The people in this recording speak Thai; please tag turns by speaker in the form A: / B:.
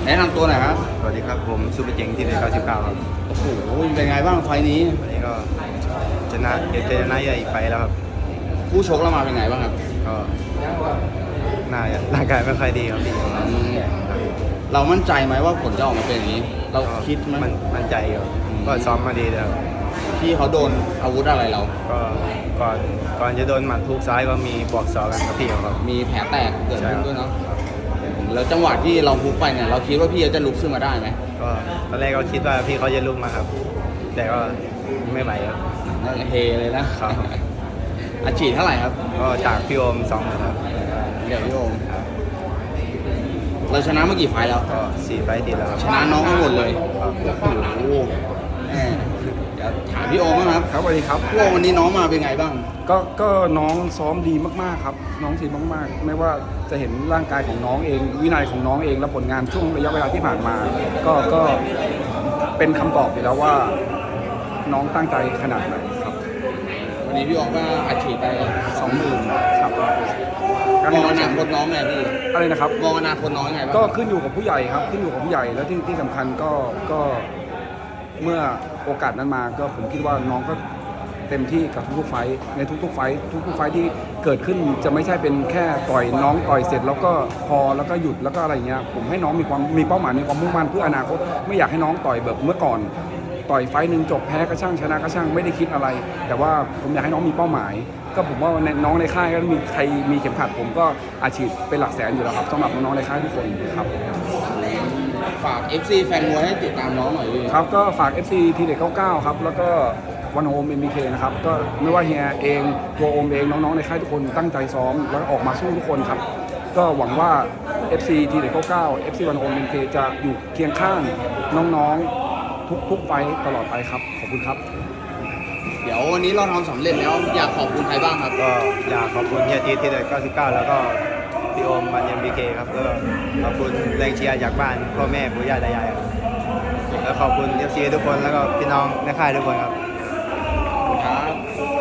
A: นะนำตัวหน่อยครับ
B: สวัสดีครับผมซูเปอร์เจ๋งที่เดือน99ครับ
A: โอ้โหเป็นไงบ้างไฟล์นี้
B: วันนี้ก็ชนะชนะใหญ่ไปแล้วครับ
A: คู่ชกเรามาเป็นไงบ้างครับ
B: ก็น่าจะร่างกายไม่ค่อยดีครับพี่
A: เรามั่นใจไหมว่าผลจะออกมาเป็นอย่างนี้ เราคิดไหม
B: มั่นใจอยู่ก็ซ้อมมาดีแล้ว
A: ที่เขาโดนอาวุธอะไรเรา
B: ก็ก่อนจะโดนหมัดทุกซ้ายก็มีบวกศอกกันกับพี่เขาครับ
A: มีแผลแตกเกิด
B: ใช่
A: ขึ้น
B: ครับ
A: ด้วยเนาะแล้วจังหวะที่เราพุกไปเนี่ยเราคิดว่าพี่จะลุกขึ้นมาได้ไหม
B: ก็ตอนแรกก็คิดว่าพี่เขาจะลุกมาครับ แต่ก็ไม่ไหวครับ
A: เฮเลยนะครับ อาชีพเท่าไหร่ครับ
B: ก็จากพี่โอม2ครับ
A: เดี๋ยวพี่โอมเราชนะเมื่อกี่ไฟล์แล้ว
B: ก็4 ไฟต์ติดแล้วครับ
A: ชนะน้องทั้งหมดเลย
B: ครับ
A: โอ้โหเดี๋ยวถามพี่โอมบ้างครับ
C: ครับสวัสดีครับ
A: พี่โอมวันนี้น้องมาเป็นไงบ้าง
C: ก็น้องซ้อมดีมากๆครับน้องทีมมากๆไม่ว่าจะเห็นร่างกายของน้องเอง วินัยของน้องเองและผลงานช่วงระยะเวลาที่ผ่านมา ก็เป็นคำตอบอยู่แล้วว่าน้องตั้งใจขนาดไหนครับ
A: วันนี้พี่โอมก็อัดฉีดไป
C: 20,000ครับก็
A: ม
C: ให้
A: อง
C: น้อ
A: อง นาคตน้องไงพี่
C: อะไรนะครับ
A: มองอนาคตน้องไงบ้าง
C: ก็ขึ้นอยู่กับผู้ใหญ่ครับขึ้นอยู่กับผู้ใหญ่แล้วที่สำคัญก็เมื่อโอกาสนั้นมาก็ผมคิดว่าน้องก็เต็มที่กับทุกๆไฟท์ในทุกๆไฟท์ทุกๆไฟท์ที่เกิดขึ้นจะไม่ใช่เป็นแค่ต่อยน้องต่อยเสร็จแล้วก็พอแล้วก็หยุดแล้วก็อะไรเงี้ยผมให้น้องมีเป้าหมายมีความมุ่งมั่นเพื่ออนาคตไม่อยากให้น้องต่อยแบบเมื่อก่อนต่อยไฟท์หนึ่งจบแพ้ก็ช่างชนะก็ช่างไม่ได้คิดอะไร แต่ว่าผมอยากให้น้องมีเป้าหมาย ก็ผมว่าน้องในค่ายก็มีใครมีเข็มขัดผมก็อาชีพเป็นหลักแสนอยู่แล้วครับสำหรับน้องๆในค่ายทุกคนครับ
A: ฝาก FC แฟนมวยให้ติดตามน้องหน่อยพี่
C: ครับก็ฝาก FC ทีเด็ด99ครับแล้วก็วันโฮม MBK นะครับก็ไม่ว่าเฮียเองตัวโอมเองน้องๆในค่ายทุกคนตั้งใจซ้อมแล้วก็ออกมาสู้ทุกคนครับก็หวังว่า FC ทีเด็ด99 FC วันโฮม MBK จะอยู่เคียงข้างน้องๆทุกๆไฟต์ตลอดไปครับขอบคุณครับ
A: เดี๋ยววันนี้เราทำสำเร็จแล้วอยากขอบคุณใครบ้างครับ
B: ก็อยากขอบคุณเฮียทีที่เดือน99แล้วก็พี่โอมบันเอ็มบีเคครับก็ขอบคุณแรงเชียร์จากบ้านพ่อแม่ปู่ย่าตายายครับแล้วขอบคุณเอฟซีทุกคนแล้วก็พี่น้องในค่ายทุกคนครับ
A: ครับ